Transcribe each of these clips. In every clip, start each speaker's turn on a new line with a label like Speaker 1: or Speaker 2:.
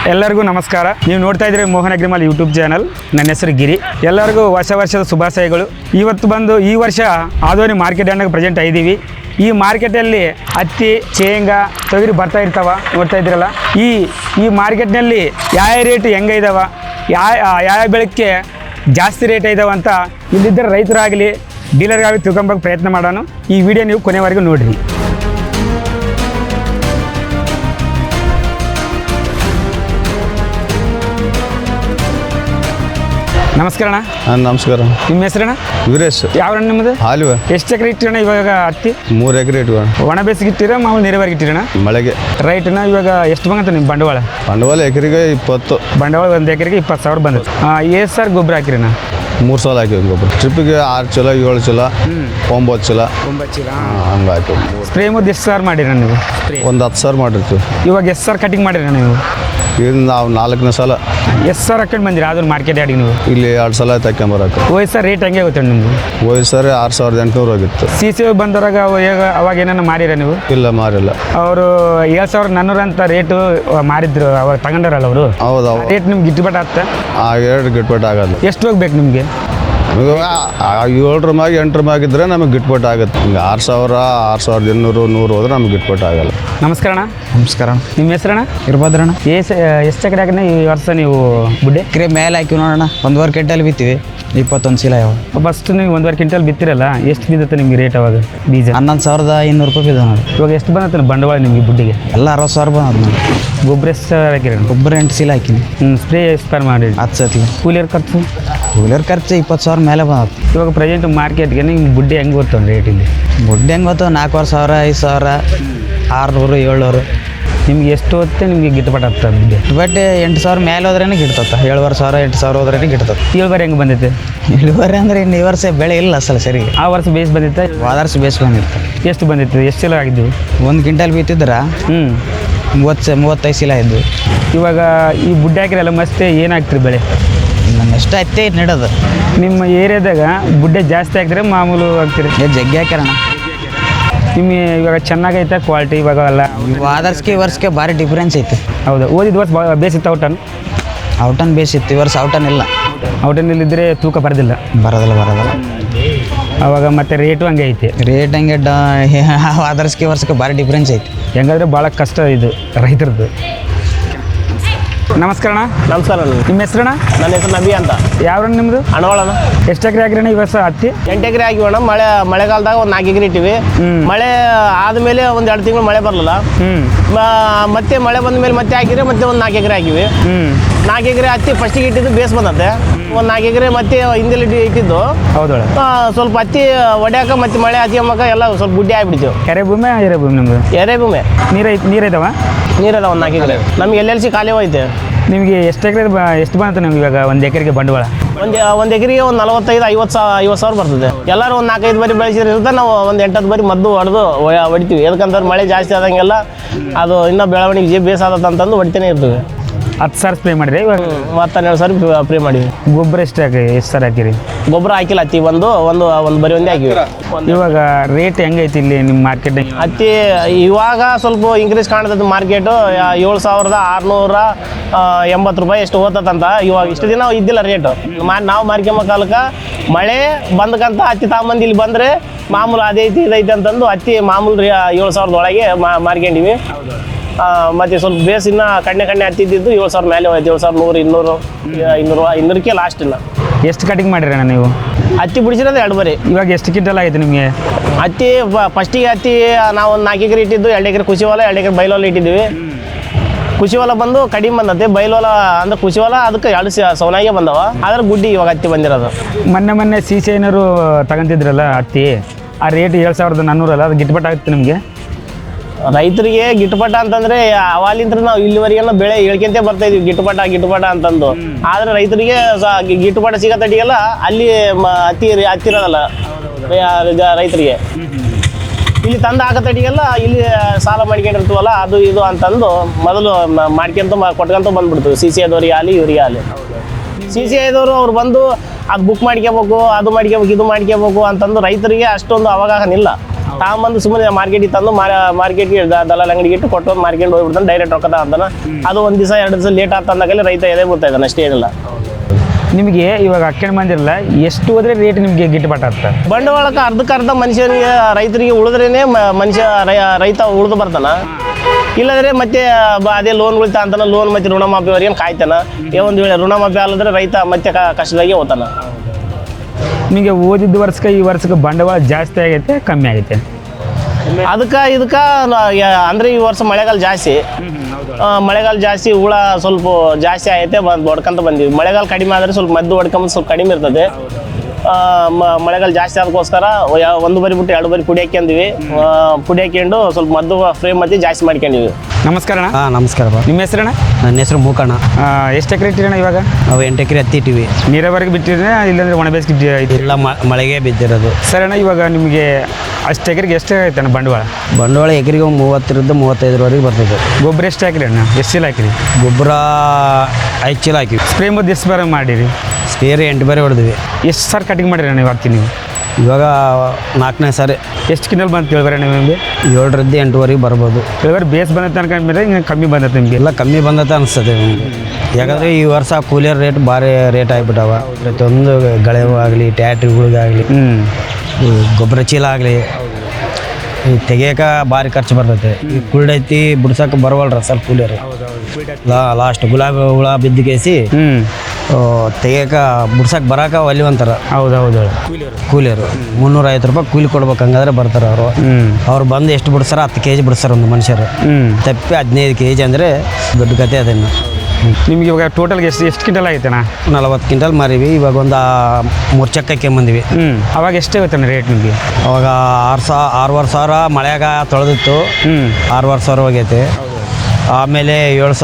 Speaker 1: ಎಲ್ಲರಿಗೂ ನಮಸ್ಕಾರ. ನೀವು ನೋಡ್ತಾ ಇದ್ದೀರಿ ಮೋಹನ್ ಅಗ್ರಿಮಾಲ್ ಯೂಟ್ಯೂಬ್ ಚಾನಲ್. ನನ್ನ ಹೆಸರು ಗಿರಿ. ಎಲ್ಲರಿಗೂ ಹೊಸ ವರ್ಷದ ಶುಭಾಶಯಗಳು. ಇವತ್ತು ಬಂದು ಈ ವರ್ಷ ಆದೋನಿ ಮಾರ್ಕೆಟ್ ಯಾರ್ಡ್ನಾಗ ಪ್ರೆಸೆಂಟ್ ಆಗಿದ್ದೀವಿ. ಈ ಮಾರ್ಕೆಟಲ್ಲಿ ಹತ್ತಿ, ಶೇಂಗಾ, ತೊಗರಿ ಬರ್ತಾ ಇರ್ತಾವ, ನೋಡ್ತಾ ಇದ್ದೀರಲ್ಲ. ಈ ಮಾರ್ಕೆಟ್ನಲ್ಲಿ ಯಾವ ರೇಟ್ ಹೆಂಗೆ ಇದಾವ, ಯಾವ ಬೆಳಕ್ಕೆ ಜಾಸ್ತಿ ರೇಟ್ ಇದಾವ ಅಂತ ಇಲ್ಲಿದ್ದರೆ ರೈತರಾಗಲಿ ಡೀಲರ್ಗಾಗಲಿ ತಿಳ್ಕೊಂಬಕ್ಕೆ ಪ್ರಯತ್ನ ಮಾಡೋಣ. ಈ ವಿಡಿಯೋ ನೀವು ಕೊನೆವರೆಗೂ ನೋಡಿರಿ. ನಮಸ್ಕಾರ ಅಣ್ಣ.
Speaker 2: ನಮಸ್ಕಾರ.
Speaker 1: ನಿಮ್ಮ ಹೆಸರಣ್ಣ?
Speaker 2: ವೀರೇಶ್.
Speaker 1: ಯಾವ ನಿಮ್ಮದು?
Speaker 2: ಹಾಲಿವೆ.
Speaker 1: ಎಷ್ಟು ಎಕರೆ ಇಟ್ಟಿರೋಣ ಇವಾಗ ಹತ್ತಿ?
Speaker 2: 3 ಎಕರೆ ಇಟ್ಕೋಣ.
Speaker 1: ಒಣ ಬೇಸಿಗೆ ಇಟ್ಟಿರ ಮಾಮೂಲು ನೀರಾವರಿಗೆ ಇಟ್ಟಿರೋಣ?
Speaker 2: ಮಳೆಗೆ.
Speaker 1: ರೈಟ್ನ ಇವಾಗ ಎಷ್ಟು ಬಂಗತ್ತ ನಿಮ್ಮ ಬಂಡವಾಳ?
Speaker 2: ಬಂಡವಾಳ ಎಕರೆಗೆ 20.
Speaker 1: ಬಂಡವಾಳ ಒಂದು ಎಕರೆಗೆ 20,000 ಬಂದದ್ದು. ಎಷ್ಟು ಸರ್ ಗೊಬ್ಬರ ಹಾಕಿರಿಣ್ಣ?
Speaker 2: 3 ಸಲ ಹಾಕಿವಿ ಗೊಬ್ಬರ. ಟ್ರಿಪ್ಪಿಗೆ 6 ಚೀಲ, 7 ಚೀಲ, 9 ಚೀಲ,
Speaker 1: 9 ಚೀಲ
Speaker 2: ಹಂಗೆ ಹಾಕಿವಿ.
Speaker 1: ಸ್ಪ್ರೇ ಮುದ್ದು ಎಷ್ಟು ಸಾವಿರ ಮಾಡಿರ ನೀವು?
Speaker 2: ಒಂದು 10 ಸಾವಿರ ಮಾಡಿರ್ತೀವಿ.
Speaker 1: ಇವಾಗ ಎಷ್ಟು ಸಾವಿರ ಕಟಿಂಗ್ ಮಾಡಿರ ನೀವು?
Speaker 2: ಇದು ನಾವು 4ನೇ ಸಲ.
Speaker 1: ಎಷ್ಟು ಸಾವಿರ ಹಾಕೊಂಡು ಬಂದಿರಿ ಅದನ್ನು ಮಾರ್ಕೆಟ್ ಯಾರ್ಡಿಗೆ ನೀವು?
Speaker 2: ಇಲ್ಲಿ 2 ಸಲ ತಗೊಂಬರಕ್ಕೆ.
Speaker 1: ಹೋಯ್ ಸರ್ ರೇಟ್ ಹೆಂಗೆ ಆಗುತ್ತೆ ನಿಮ್ಗೆ?
Speaker 2: ಹೋಯ್ ಸರಿ 6,800 ಹೋಗಿತ್ತು.
Speaker 1: CC ಬಂದವ್ರಾಗ ಅವಾಗ ಏನಾರ ಮಾರಿರ ನೀವು?
Speaker 2: ಇಲ್ಲ ಮಾರಿಲ್ಲ.
Speaker 1: ಅವರು 7,400 ಅಂತ ರೇಟು ಮಾರಿದ್ರು, ಅವಾಗ ತಗೊಂಡಾರಲ್ಲ ಅವರು.
Speaker 2: ಹೌದು.
Speaker 1: ರೇಟ್ ನಿಮ್ಗೆ ಗಿಟ್ಟುಬಟ್ ಆಗ್ತಾ?
Speaker 2: ಆ 2 ಗಿಟ್ಪಟ್ಟು ಆಗಲ್ಲ.
Speaker 1: ಎಷ್ಟು ಹೋಗ್ಬೇಕು ನಿಮಗೆ?
Speaker 2: ನಮಗೆ 7 ಮ್ಯಾಗ 8 ಮ್ಯಾಗ ಇದ್ರೆ ನಮಗೆ ಗಿಟ್ಪಟ್ಟು ಆಗುತ್ತೆ. ಹಿಂಗೆ 6,000, 6,800, 100 ಹೋದ್ರೆ ನಮ್ಗೆ ಗಿಟ್ಪಟ್ಟು ಆಗಲ್ಲ.
Speaker 1: ನಮಸ್ಕಾರ ಅಣ್ಣ.
Speaker 3: ನಮಸ್ಕಾರ.
Speaker 1: ನಿಮ್ಮ ಹೆಸರಣ್ಣ?
Speaker 3: ಇರ್ಬೋದ್ರಣ್ಣ.
Speaker 1: ಎಷ್ಟು ಎಕರೆ ಹಾಕಿನ ಈ ವರ್ಷ ನೀವು ಬುಡ್ಡೆ?
Speaker 3: ಎಕರೆ ಮೇಲೆ ಹಾಕಿವಿ ನೋಡೋಣ. 1.5 ಕ್ವಿಂಟಲ್ ಬಿತ್ತೀವಿ. 21 ಚೀಲ ಯಾವ.
Speaker 1: ಫಸ್ಟ್ ನೀವು 1.5 ಕ್ವಿಂಟಲ್ ಬಿತ್ತಿರಲ್ಲ, ಎಷ್ಟು ಬಿದ್ದತ್ತೆ ನಿಮಗೆ ರೇಟ್ ಅವಾಗ ಬೀಜ?
Speaker 3: 11,500 ರೂಪಾಯಿ ಬಿದ್ದ ನೋಡಿ.
Speaker 1: ಇವಾಗ ಎಷ್ಟು ಬಂದತ್ತೆ ಬಂಡವಾಳ ನಿಮಗೆ ಬುಡ್ಡಿಗೆ?
Speaker 3: ಎಲ್ಲ 60,000 ಬಂದ ನೋಡಿ.
Speaker 1: ಗೊಬ್ಬರ ಎಷ್ಟು ಹಾಕಿರ?
Speaker 3: ಗೊಬ್ಬರ 8 ಚೀಲ ಹಾಕಿನಿ.
Speaker 1: ಸ್ಪ್ರೇ ಎಷ್ಟು ಮಾಡಿ?
Speaker 3: 10 ಸತಿ.
Speaker 1: ಕೂಲಿಯರ್ ಖರ್ಚು?
Speaker 3: ಕೂಲಿಯರ್ ಖರ್ಚು 20,000 ಮೇಲೆ ಬಂದ.
Speaker 1: ಇವಾಗ ಪ್ರೆಸೆಂಟ್ ಮಾರ್ಕೆಟ್ಗೆ ನಿಮ್ಗೆ ಬುಡ್ಡೆ ಹೆಂಗೆ ಗೊತ್ತು ರೇಟ್ ಇಲ್ಲಿ?
Speaker 3: ಬುಡ್ಡೆ ಹೆಂಗೆ ಗೊತ್ತು? 4,000, 5,000, 600, 700.
Speaker 1: ನಿಮ್ಗೆ ಎಷ್ಟು ಹೊತ್ತೆ ನಿಮಗೆ ಗಿಟ್ಟುಪಟ್ಟು ಆಗ್ತದೆ ಬುಡ್ಡೆ?
Speaker 3: ಬಟ್ 8,000 ಮೇಲೆ ಹೋದ್ರೇನೆ ಗಿಡ್ತತ್ತ. 7,500, 8,000 ಹೋದ್ರೇನೆ ಗಿಡ್ತತ್ತ.
Speaker 1: ಇಳುವರಿ ಹೆಂಗೆ ಬಂದೈತೆ?
Speaker 3: ಇಳುವರಿ ಅಂದ್ರೆ ಇನ್ನು ಈ ವರ್ಷ ಬೆಳೆ ಇಲ್ಲ ಅಸಲು ಸರಿ.
Speaker 1: ಆ ವರ್ಷ ಬೇಸ್ ಬಂದಿತ್ತೆ?
Speaker 3: ಹೋದ ಬೇಸ್ ಬಂದಿತ್ತು.
Speaker 1: ಎಷ್ಟು ಬಂದಿತ್ತು? ಎಷ್ಟು ಚೀಲ ಆಗಿದ್ದು?
Speaker 3: 1 ಕ್ವಿಂಟಲ್ ಬಿತ್ತಿದ್ರೆ 35 ಚೀಲ ಇದ್ದು.
Speaker 1: ಇವಾಗ ಈ ಬುಡ್ಡೆ ಹಾಕಿರಲ್ಲ ಮತ್ತೆ ಏನಾಗ್ತಿರಿ ಬೆಳೆ?
Speaker 3: ಎಷ್ಟು ಹತ್ತೆ ನೆಡೋದು.
Speaker 1: ನಿಮ್ಮ ಏರಿಯಾದಾಗ ಬುಡ್ಡೆ ಜಾಸ್ತಿ ಹಾಕಿದ್ರೆ ಮಾಮೂಲು ಆಗ್ತೀರಿ?
Speaker 3: ಜಗ್ಗಿ ಹಾಕ್ಯಾರಣ.
Speaker 1: ನಿಮ್ಮ ಇವಾಗ ಚೆನ್ನಾಗೈತೆ ಕ್ವಾಲಿಟಿ ಇವಾಗ ಎಲ್ಲ?
Speaker 3: ಈ ವರ್ಷಕ್ಕೆ ಭಾರಿ ಡಿಫ್ರೆನ್ಸ್ ಐತಿ.
Speaker 1: ಹೌದು. ಓದಿದ ವರ್ಷ ಬೇಸಿತ್ತು ಔಟನ್?
Speaker 3: ಔಟನ್ ಬೇಸಿತ್ತು. ಈ ವರ್ಷ ಔಟನ್ ಇಲ್ಲ.
Speaker 1: ಔಟನ್ನಲ್ಲಿದ್ದರೆ ತೂಕ ಬರೋದಿಲ್ಲ.
Speaker 3: ಬರೋದಿಲ್ಲ.
Speaker 1: ಅವಾಗ ಮತ್ತೆ ರೇಟು ಹಂಗೆ ಐತಿ.
Speaker 3: ರೇಟ್ ಹಂಗೆ ಈ ವರ್ಷಕ್ಕೆ ಭಾರಿ ಡಿಫ್ರೆನ್ಸ್ ಐತಿ.
Speaker 1: ಹೆಂಗಾದ್ರೆ ಭಾಳ ಕಷ್ಟ ಇದು ರೈತರದ್ದು. ನಮಸ್ಕಾರ ಅಣ್ಣ.
Speaker 4: ನಮಸ್ಕಾರ.
Speaker 1: ನಿಮ್ಮ ಹೆಸರಣ್ಣ?
Speaker 4: ನನ್ನ ಹೆಸರು ನಬಿ ಅಂತ.
Speaker 1: ಯಾವ ನಿಮ್ಮದು?
Speaker 4: ಅಣವಾಳನ.
Speaker 1: ಎಷ್ಟು ಎಕರೆ ಹಾಕಿರಣ್ಣ ಈ ವರ್ಷ ಹತ್ತಿ?
Speaker 4: 8 ಎಕರೆ ಹಾಕಿವಣ್ಣ. ಮಳೆಗಾಲದಾಗ ಒಂದು 4 ಎಕರೆ ಇಟ್ಟಿವಿ. ಮಳೆ ಆದಮೇಲೆ ಒಂದು 2 ತಿಂಗಳು ಮಳೆ ಬರಲಿಲ್ಲ. ಮತ್ತೆ ಮಳೆ ಬಂದ ಮೇಲೆ ಮತ್ತೆ ಹಾಕಿದ್ರೆ ಮತ್ತೆ ಒಂದು 4 ಎಕರೆ ಹಾಕಿವಿ. 4 ಎಕರೆ ಹತ್ತಿ ಫಸ್ಟಿಗೆ ಇಟ್ಟಿದ್ದು ಬೇಸ್ ಬಂದತ್ತೆ. ಒಂದು 4 ಎಕರೆ ಮತ್ತೆ ಹಿಂದೆಲ್ಲಿ ಇಟ್ಟಿದ್ದು.
Speaker 1: ಹೌದಾ?
Speaker 4: ಸ್ವಲ್ಪ ಹತ್ತಿ ಒಡ್ಯಾಕ ಮತ್ತೆ ಮಳೆ ಹತ್ತಿಯಮ್ಮಕ ಎಲ್ಲ ಸ್ವಲ್ಪ ಗುಡ್ಡೆ ಆಗಿಬಿಡ್ತೀವಿ.
Speaker 1: ಕೆರೆ ಭೂಮಿ ಎರೆ ಭೂಮಿ ನಿಮ್ಮದು?
Speaker 4: ಎರೆ ಭೂಮಿ.
Speaker 1: ನೀರೈತವ?
Speaker 4: ನೀರಲ್ಲ. ಒಂದು 4 ಎಕರೆ ನಮ್ಗೆ LLC ಖಾಲಿ ಹೋಯ್ತೆ.
Speaker 1: ನಿಮಗೆ ಎಷ್ಟು ಎಕರೆ ಎಷ್ಟು ಬಂತು ನಿಮ್ಗೆ ಇವಾಗ ಒಂದು ಎಕರೆಗೆ ಬಂಡವಾಳ?
Speaker 4: ಒಂದು ಎಕರೆಗೆ ಒಂದು 45-50 ಸಾವಿರ ಬರ್ತದೆ. ಎಲ್ಲರೂ ಒಂದು 4-5 ಬಾರಿ ಬೆಳೆಸಿದ್ರೆ ನಾವು ಒಂದು 8-10 ಬಾರಿ ಮದ್ದು ಹೊಡಿತೀವಿ. ಯಾಕಂತಂದ್ರೆ ಮಳೆ ಜಾಸ್ತಿ ಆದಂಗೆಲ್ಲ ಅದು ಇನ್ನೂ ಬೆಳವಣಿಗೆ ಬೇಸಾದಂತಂದು ಹೊಡಿತಾನೆ ಇರ್ತೀವಿ.
Speaker 1: 10 ಸಾವಿರ ಸ್ಪ್ರೇ ಮಾಡಿರಿ ಇವಾಗ?
Speaker 4: 12 ಸಾವಿರ ಸ್ಪ್ರೇ ಮಾಡಿವಿ.
Speaker 1: ಗೊಬ್ಬರ ಎಷ್ಟು ಸಾವಿರ ಹಾಕಿರಿ?
Speaker 4: ಗೊಬ್ಬರ ಹಾಕಿಲ್ಲ. ಹತ್ತಿ ಒಂದು ಬರೀ ಒಂದೇ ಹಾಕಿವಿ.
Speaker 1: ಇವಾಗ ರೇಟ್ ಹೆಂಗೈತಿ ಇಲ್ಲಿ ನಿಮ್ಮ ಮಾರ್ಕೆಟ್ನಾಗ?
Speaker 4: ಹತ್ತಿ ಇವಾಗ ಸ್ವಲ್ಪ ಇನ್ಕ್ರೀಸ್ ಕಾಣ್ತದೆ ಮಾರ್ಕೆಟು. 7,680 ರೂಪಾಯಿ ಎಷ್ಟು ಹೋಗ್ತದಂತ. ಇವಾಗ ಇಷ್ಟು ದಿನ ಇದ್ದಿಲ್ಲ ರೇಟು. ನಾವು ಮಾರ್ಕೆಂಬ ಕಾಲಕ್ಕೆ ಮಳೆ ಬಂದಕ್ಕಂತ ಹತ್ತಿ ತಗೊಂಬಂದು ಇಲ್ಲಿ ಬಂದರೆ ಮಾಮೂಲು ಅದೈತಿ ಇದೈತಿ ಅಂತಂದು ಹತ್ತಿ ಮಾಮೂಲು 7,000 ಒಳಗೆ ಮಾರ್ಕೊಂಡಿವಿ. ಮತ್ತು ಸ್ವಲ್ಪ ಬೇಸ್ ಇನ್ನು ಕಣ್ಣೆ ಹತ್ತಿದ್ದು 7,000 ಮೇಲೆ ಹೋಯ್ತು. 7,100, 200ಕ್ಕೆ ಲಾಸ್ಟ್ ಇಲ್ಲ.
Speaker 1: ಎಷ್ಟು ಕಟಿಂಗ್ ಮಾಡಿರಣ್ಣ ನೀವು?
Speaker 4: ಹತ್ತಿ ಬಿಡಿಸಿರೋದು 2 ಬಾರಿ.
Speaker 1: ಇವಾಗ ಎಷ್ಟು ಕ್ವಿಂಟಲ್ ಆಗಿದೆ ನಿಮಗೆ
Speaker 4: ಹತ್ತಿ? ಫಸ್ಟಿಗೆ ಹತ್ತಿ ನಾವು ಒಂದು 4 ಎಕರೆ ಇಟ್ಟಿದ್ದು. 2 ಎಕರೆ ಕೃಷಿ ಹೊಲ, 2 ಎಕರೆ ಬೈಲೊಲ ಇಟ್ಟಿದ್ದೀವಿ. ಕೃಷಿ ಹೊಲ ಬಂದು ಕಡಿಮೆ ಬಂದತ್ತೆ. ಬೈಲೊಲ ಅಂದ್ರೆ ಕೃಷಿ ಹೊಲ ಅದಕ್ಕೆ 2 ಸೌನಾಗೆ ಬಂದವ. ಆದ್ರೆ ಗುಡ್ಡಿ ಇವಾಗ ಹತ್ತಿ ಬಂದಿರೋದು. ಮೊನ್ನೆ
Speaker 1: CC ಏನಾರು ತಗೊಂತಿದ್ರಲ್ಲ ಹತ್ತಿ, ಆ ರೇಟ್ 7,400 ಅಲ್ಲ, ಅದು ಗಿಟ್ಪಟ್ ಆಗುತ್ತೆ ನಿಮಗೆ?
Speaker 4: ರೈತರಿಗೆ ಗಿಟ್ಟುಪಟ ಅಂತಂದ್ರೆ ಅವಾಲಿಂತ್ರ ನಾವು ಇಲ್ಲಿವರೆಗೆಲ್ಲ ಬೆಳೆ ಹೇಳ್ಕೊಂತ ಬರ್ತಾ ಇದೀವಿ ಗಿಟ್ಟುಪಟ ಅಂತಂದು. ಆದ್ರೆ ರೈತರಿಗೆ ಗಿಟ್ಟುಪಟ ಸಿಗತ್ತಟಿಗೆಲ್ಲ ಅಲ್ಲಿ ಹತ್ತಿರೋದಲ್ಲ ರೈತರಿಗೆ. ಇಲ್ಲಿ ತಂದು ಹಾಕತ್ತಟಿಗೆಲ್ಲ ಇಲ್ಲಿ ಸಾಲ ಮಾಡ್ಕೊಂಡಿರ್ತೀವಲ್ಲ ಅದು ಇದು ಅಂತಂದು ಮೊದಲು ಕೊಟ್ಕೊಂತ ಬಂದ್ಬಿಡ್ತೀವಿ. CC ಆದವ್ರಿಗೆ ಆಗಲಿ ಇವ್ರಿಗೆ ಆಗಲಿ. CC ಆದವರು ಅವ್ರು ಬಂದು ಅದು ಬುಕ್ ಮಾಡ್ಕೋಬೇಕು, ಅದು ಮಾಡ್ಕೋಬೇಕು, ಇದು ಮಾಡ್ಕೋಬೇಕು ಅಂತಂದು ರೈತರಿಗೆ ಅಷ್ಟೊಂದು ಅವಗಾಹನ ಇಲ್ಲ. ತಾಂಬಂದು ಸುಮ್ಮನೆ ಮಾರ್ಕೆಟಿಗೆ ತಂದು ಮಾರ್ಕೆಟ್ಗೆ ದಲಾಲ್ ಅಂಗಡಿಗೆ ಇಟ್ಟು ಕೊಟ್ಟು ಮಾರ್ಕೆಟ್ ಹೋಗ್ಬಿಡ್ತಾನೆ, ಡೈರೆಕ್ಟ್ ರೊಕ್ಕದ ಅಂತಾನೆ. ಅದು 1 ದಿವಸ 2 ದಿವಸ ಲೇಟ್ ಆಗ್ತಂದಾಗಲೇ ರೈತ ಎದೆ ಬಿಡ್ತಾ ಇದ್ದಾನೆ, ಅಷ್ಟೇ ಏನಿಲ್ಲ.
Speaker 1: ನಿಮಗೆ ಇವಾಗ ಹಾಕ್ಕೊಂಡು ಬಂದಿರಲ್ಲ, ಎಷ್ಟು ಹೋದ್ರೆ ರೇಟ್ ನಿಮಗೆ ಗಿಟ್ಟುಪಾಟ್ ಆಗ್ತದೆ?
Speaker 4: ಬಂಡವಾಳಕ್ಕೆ ಅರ್ಧಕ್ಕರ್ಧ ಮನುಷ್ಯನಿಗೆ ರೈತರಿಗೆ ಉಳಿದ್ರೇನೆ ರೈತ ಉಳಿದು ಬರ್ತಾನ. ಇಲ್ಲದ್ರೆ ಮತ್ತೆ ಅದೇ ಲೋನ್ಗಳು ಅಂತಾನ, ಲೋನ್ ಮತ್ತೆ ಋಣಮಾಫಿವರೆಗೆ ಕಾಯ್ತಾನ. ಒಂದು ವೇಳೆ ಋಣಮಾಫಿ ಅಲ್ಲದ್ರೆ ರೈತ ಮತ್ತೆ ಕಷ್ಟದಾಗೆ ಹೋಗ್ತಾನ.
Speaker 1: ನಿಮಗೆ ಓದಿದ್ದ ವರ್ಷಕ್ಕೆ ಈ ವರ್ಷಕ್ಕೆ ಬಂಡವಾಳ ಜಾಸ್ತಿ ಆಗೈತೆ ಕಮ್ಮಿ ಆಗೈತೆ?
Speaker 4: ಅದಕ್ಕೆ ಅಂದ್ರೆ ಈ ವರ್ಷ ಮಳೆಗಾಲ ಜಾಸ್ತಿ, ಮಳೆಗಾಲ ಜಾಸ್ತಿ, ಹುಳ ಸ್ವಲ್ಪ ಜಾಸ್ತಿ ಆಗೈತೆ, ಹೊಡ್ಕೊಂತ ಬಂದಿವಿ. ಮಳೆಗಾಲ ಕಡಿಮೆ ಆದರೆ ಸ್ವಲ್ಪ ಮದ್ದು ಹೊಡ್ಕೊಂಬಂದು ಸ್ವಲ್ಪ ಕಡಿಮೆ ಇರ್ತದೆ. ಮಳೆಗಾಲ ಜಾಸ್ತಿ ಅದಕ್ಕೋಸ್ಕರ 1 ಬರಿ ಬಿಟ್ಟು 2 ಬರಿ ಪುಡಿ ಹಾಕ್ಯಂದಿವಿ. ಪುಡಿ ಹಾಕ್ಯಂಡು ಸ್ವಲ್ಪ ಮದ್ದು ಫ್ರೇಮ್ ಮತ್ತೆ ಜಾಸ್ತಿ ಮಾಡ್ಕೊಂಡಿವಿ.
Speaker 1: ನಮಸ್ಕಾರ ಅಣ್ಣ.
Speaker 3: ನಮಸ್ಕಾರ ಬಾ.
Speaker 1: ನಿಮ್ಮ ಹೆಸರಣ್ಣ?
Speaker 3: ನನ್ನ ಹೆಸರು ಮೂಕಣ್ಣ.
Speaker 1: ಎಷ್ಟು ಎಕರೆ ಇಟ್ಟಿರಣ್ಣ ಇವಾಗ?
Speaker 3: ನಾವು 8 ಎಕರೆ ಹತ್ತಿ ಇಟ್ಟಿವಿ.
Speaker 1: ನೀರಾವರಿಗೆ ಬಿಟ್ಟಿದ್ರೆ ಇಲ್ಲಾಂದ್ರೆ ಒಣ ಬೇಸಿಗೆ
Speaker 3: ಇಲ್ಲ, ಮಳೆಗೆ ಬಿದ್ದಿರೋದು.
Speaker 1: ಸರ್ ಅಣ್ಣ, ಇವಾಗ ನಿಮಗೆ ಅಷ್ಟು ಎಕರೆಗೆ ಎಷ್ಟು ಆಯ್ತು ಅಣ್ಣ ಬಂಡವಾಳ?
Speaker 3: ಬಂಡವಾಳ ಎಕರೆಗೆ 30ರಿಂದ 35ವರೆಗೆ ಬರ್ತದೆ.
Speaker 1: ಗೊಬ್ಬರ ಎಷ್ಟು ಹಾಕಿರಿ ಅಣ್ಣ? ಎಷ್ಟು ಚೀಲ ಹಾಕಿರಿ?
Speaker 3: ಗೊಬ್ಬರ 5 ಚೀಲ ಹಾಕಿವಿ.
Speaker 1: ಸ್ಪ್ರೇ ಮದ್ದು ಎಷ್ಟು ಬಾರ ಮಾಡಿರಿ?
Speaker 3: ಸ್ಪೇರ್ 8 ಬಾರಿ ಹೊಡೆದ್ವಿ.
Speaker 1: ಎಷ್ಟು ಸಾರಿ ಕಟಿಂಗ್ ಮಾಡಿರಿ ಅಣ್ಣ ಇವತ್ತು ನೀವು?
Speaker 3: ಇವಾಗ 4ನೇ ಸಾರಿ.
Speaker 1: ಎಷ್ಟು ಕಿಂಟಲ್ ಬಂತು ಹೇಳ್ಬಾರ ನಿಮಗೆ?
Speaker 3: 7ರಿಂದ 8ವರೆಗೆ ಬರ್ಬೋದು.
Speaker 1: ಹೇಳ್ಬಾರ ಬೇಸ್ ಬಂದತ್ತೆ ಅನ್ಕೊಂಡ್ಮೇಲೆ ಹಿಂಗೆ ಕಮ್ಮಿ ಬಂದತ್ತೆ ನಿಮಗೆ?
Speaker 3: ಎಲ್ಲ ಕಮ್ಮಿ ಬಂದತ್ತೆ ಅನಿಸ್ತದೆ ನಮಗೆ. ಯಾಕಂದರೆ ಈ ವರ್ಷ ಕೂಲಿಯರ್ ರೇಟ್ ಭಾರಿ ರೇಟ್ ಆಗಿಬಿಟ್ಟವ. ಪ್ರತಿಯೊಂದು ಗಳೆವು ಆಗಲಿ, ಟ್ಯಾಟ್ರಿಗಳಿಗಾಗಲಿ, ಗೊಬ್ಬರ ಚೀಲ ಆಗಲಿ, ಈ ತೆಗಿಯೋಕೆ ಭಾರಿ ಖರ್ಚು ಬರ್ತೈತೆ. ಈ ಕುಳ್ಳೈತಿ ಬಿಡ್ಸೋಕೆ ಬರವಲ್ರ ಸ್ವಲ್ಪ ಕೂಲಿಯರು. ಲಾಸ್ಟ್ ಗುಲಾಬಿ ಹುಳ ಬಿದ್ದುಕೇಸಿ ತೆಗಿಯೋಕೆ ಬಿಡ್ಸಕ್ಕೆ ಬರೋಕೆ ಒಲಿ ಅಂತಾರ.
Speaker 1: ಹೌದೌದು.
Speaker 3: ಕೂಲಿಯರು 350 ರೂಪಾಯಿ ಕೂಲಿ ಕೊಡ್ಬೇಕು, ಹಂಗಾದ್ರೆ ಬರ್ತಾರೆ ಅವರು. ಅವ್ರು ಬಂದು ಎಷ್ಟು ಬಿಡ್ಸಾರ? 10 kg ಬಿಡ್ಸಾರ ಒಂದು ಮನುಷ್ಯರು. ತಪ್ಪಿ 15 kg ಅಂದರೆ ದೊಡ್ಡ ಕತೆ ಅದನ್ನು.
Speaker 1: ನಿಮ್ಗೆ ಇವಾಗ ಟೋಟಲ್ಗೆ ಎಷ್ಟು ಕ್ವಿಂಟಲ್ ಆಯ್ತಣ್ಣ?
Speaker 3: 40 ಕ್ವಿಂಟಲ್ ಮಾರಿವಿ. ಇವಾಗ ಒಂದು 3 ಚಕ್ಕಕ್ಕೆ ಬಂದಿವಿ.
Speaker 1: ಅವಾಗ ಎಷ್ಟೇ ಆಗುತ್ತಣ್ಣ ರೇಟ್ ನಿಮಗೆ?
Speaker 3: ಅವಾಗ 6,500 ಸಾವಿರ ಮಳೆಯಾಗ ತೊಳೆದಿತ್ತು. 6,500 ಸಾವಿರ ಹೋಗೈತೆ. ಆಮೇಲೆ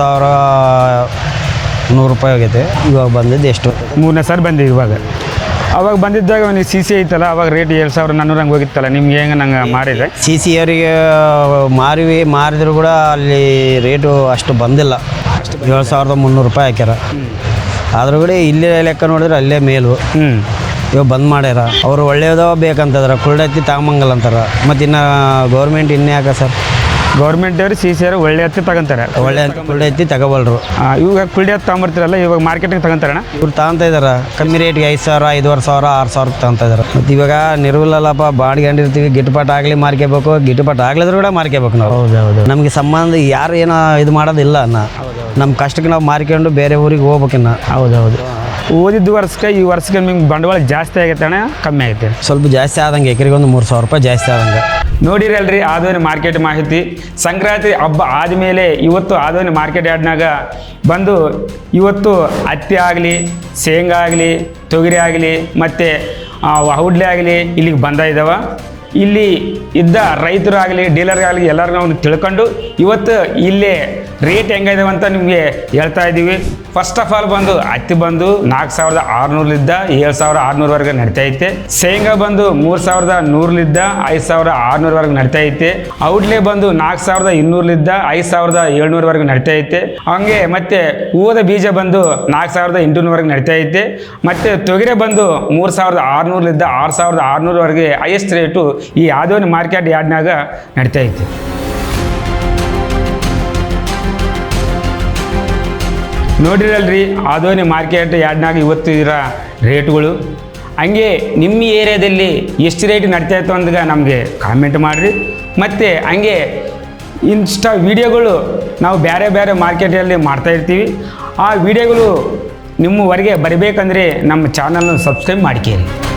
Speaker 3: 7,100 ರೂಪಾಯಿ ಹೋಗೈತೆ. ಇವಾಗ ಬಂದಿದ್ದು ಎಷ್ಟು?
Speaker 1: 3ನೇ ಸಾರಿ ಬಂದಿದೆ ಇವಾಗ. ಅವಾಗ ಬಂದಿದ್ದಾಗ ನೀವು CC ಐತಲ್ಲ, ಅವಾಗ ರೇಟ್ 7,400 ಹಂಗೆ ಹೋಗಿತ್ತಲ್ಲ, ನಿಮ್ಗೆ ಹೆಂಗೆ ನಂಗೆ ಮಾಡಿದ್ರೆ?
Speaker 3: CC ಅವರಿಗೆ ಮಾರಿದ್ರು ಕೂಡ ಅಲ್ಲಿ ರೇಟು ಅಷ್ಟು ಬಂದಿಲ್ಲ. 7,300 ರೂಪಾಯಿ ಹಾಕ್ಯಾರ. ಆದ್ರೂ ಕೂಡ ಇಲ್ಲೇ ಲೆಕ್ಕ ನೋಡಿದ್ರೆ ಅಲ್ಲೇ ಮೇಲು. ಇವಾಗ ಬಂದ್ ಮಾಡ್ಯಾರ. ಅವರು ಒಳ್ಳೆಯದೋ ಬೇಕಂತಂದ್ರೆ ಕುಳ್ಳೈತಿ ತಗೊಂಬಂಗಲ್ಲ ಅಂತಾರೆ. ಮತ್ತು ಇನ್ನು ಗೌರ್ಮೆಂಟ್ ಇನ್ನೇ ಯಾಕೆ ಸರ್?
Speaker 1: ಗೌರ್ಮೆಂಟ್ ಅವ್ರು CC ಅವರು ಒಳ್ಳೆ ಹತ್ತಿ ತಗೊಂತಾರೆ,
Speaker 3: ಒಳ್ಳೆ ಕುಳ್ಳೈತಿ ತಗೋಬಲ್ರು.
Speaker 1: ಇವಾಗ ಕುಳ್ಳಿ ಹತ್ತು ತಗೊಂಬರ್ತೀರಲ್ಲ, ಇವಾಗ ಮಾರ್ಕೆಟಿಗೆ ತಗೊಂತಾರಣ್ಣ.
Speaker 3: ಇವ್ರು ತಗೊಂತ ಇದಾರೆ ಕಮ್ಮಿ ರೇಟ್ಗೆ 5,000, 5,500, 6,000 ತಗೊಂತ ಇದಾರೆ. ಮತ್ತು ಇವಾಗ ನಿರ್ವಿಲ್ಲಲ್ಲಪ್ಪ, ಬಾಡಿಕೊಂಡಿರ್ತೀವಿ, ಗಿಟ್ಟುಪಾಟ್ ಆಗಲಿ ಮಾರ್ಕೋಬೇಕು, ಗಿಟ್ಟುಪಾಟ್ ಆಗ್ಲಿದ್ರು ಕೂಡ ಮಾರ್ಕೋಬೇಕು ನಾವು.
Speaker 1: ಹೌದೌದು.
Speaker 3: ನಮಗೆ ಸಂಬಂಧ ಯಾರು ಏನೋ ಇದು ಮಾಡೋದಿಲ್ಲ. ನಮ್ಮ ಕಷ್ಟಕ್ಕೆ ನಾವು ಮಾರ್ಕೊಂಡು ಬೇರೆ ಊರಿಗೆ ಹೋಗ್ಬೇಕಿನ್ನ.
Speaker 1: ಹೌದೌದು. ಓದಿದ್ದ ವರ್ಷಕ್ಕೆ ಈ ವರ್ಷಕ್ಕೆ ನಿಮ್ಗೆ ಬಂಡವಾಳ ಜಾಸ್ತಿ ಆಗೈತೆ ಅಣ್ಣ ಕಮ್ಮಿ ಆಗೈತೆ?
Speaker 3: ಸ್ವಲ್ಪ ಜಾಸ್ತಿ ಆದಂಗೆ, ಎಕರೆಗೆ ಒಂದು 3,000 ರೂಪಾಯಿ ಜಾಸ್ತಿ ಆದಂಗೆ.
Speaker 1: ನೋಡಿರಲ್ರಿ ಆದೋನಿ ಮಾರ್ಕೆಟ್ ಮಾಹಿತಿ. ಸಂಕ್ರಾಂತಿ ಹಬ್ಬ ಆದಮೇಲೆ ಇವತ್ತು ಆದೋನಿ ಮಾರ್ಕೆಟ್ ಯಾರ್ಡ್ನಾಗ ಬಂದು ಇವತ್ತು ಹತ್ತಿ ಆಗಲಿ, ಶೇಂಗಾ ಆಗಲಿ, ತೊಗರಿ ಆಗಲಿ ಮತ್ತು ಔಡ್ಲೆ ಆಗಲಿ ಇಲ್ಲಿಗೆ ಬಂದ ಇದ್ದಾವೆ. ಇಲ್ಲಿ ಇದ್ದ ರೈತರಾಗಲಿ, ಡೀಲರ್ಗಾಗಲಿ ಎಲ್ಲರೂ ನಾವು ತಿಳ್ಕೊಂಡು ಇವತ್ತು ಇಲ್ಲೇ ರೇಟ್ ಹೆಂಗಿದಾವೆ ಅಂತ ನಿಮಗೆ ಹೇಳ್ತಾ ಇದ್ದೀವಿ. ಫಸ್ಟ್ ಆಫ್ ಆಲ್ ಬಂದು ಹತ್ತಿ ಬಂದು 4,600ಲಿದ್ದ 7,600ವರೆಗೆ ನಡೀತಾ ಐತೆ. ಶೇಂಗಾ ಬಂದು 3,100ಲಿದ್ದ 5,600ವರೆಗೆ ನಡೀತಾ ಐತೆ. ಔಡ್ಲೆ ಬಂದು 4,200ಲಿದ್ದ 5,700ವರೆಗೆ ನಡೀತಾ ಐತೆ. ಹಂಗೆ ಮತ್ತೆ ಹೂವದ ಬೀಜ ಬಂದು 4,800ವರೆಗೆ ನಡೀತಾ ಐತೆ. ಮತ್ತು ತೊಗರೆ ಬಂದು 3,600ಲಿದ್ದ 6,600ವರೆಗೆ ಹೈಯೆಸ್ಟ್ ರೇಟು ಈ ಆದೋನಿ ಮಾರ್ಕೆಟ್ ಯಾರ್ಡ್ನಾಗ ನಡೀತಾ ಐತೆ. ನೋಡಿರಲ್ರಿ ಆದೋನಿ ಮಾರ್ಕೆಟ್ ಯಾರ್ಡ್ನಾಗ ಇವತ್ತು ಇರೋ ರೇಟ್ಗಳು. ಹಂಗೆ ನಿಮ್ಮ ಏರಿಯಾದಲ್ಲಿ ಎಷ್ಟು ರೇಟ್ ನಡೀತಾ ಇತ್ತು ಅಂದಾಗ ನಮಗೆ ಕಾಮೆಂಟ್ ಮಾಡಿರಿ. ಮತ್ತು ಹಂಗೆ ಇನ್ಸ್ಟಾ ವೀಡಿಯೋಗಳು ನಾವು ಬೇರೆ ಬೇರೆ ಮಾರ್ಕೆಟಲ್ಲಿ ಮಾಡ್ತಾಯಿರ್ತೀವಿ. ಆ ವಿಡಿಯೋಗಳು ನಿಮ್ಮವರೆಗೆ ಬರಬೇಕಂದ್ರೆ ನಮ್ಮ ಚಾನಲ್ನ ಸಬ್ಸ್ಕ್ರೈಬ್ ಮಾಡ್ಕೇರಿ.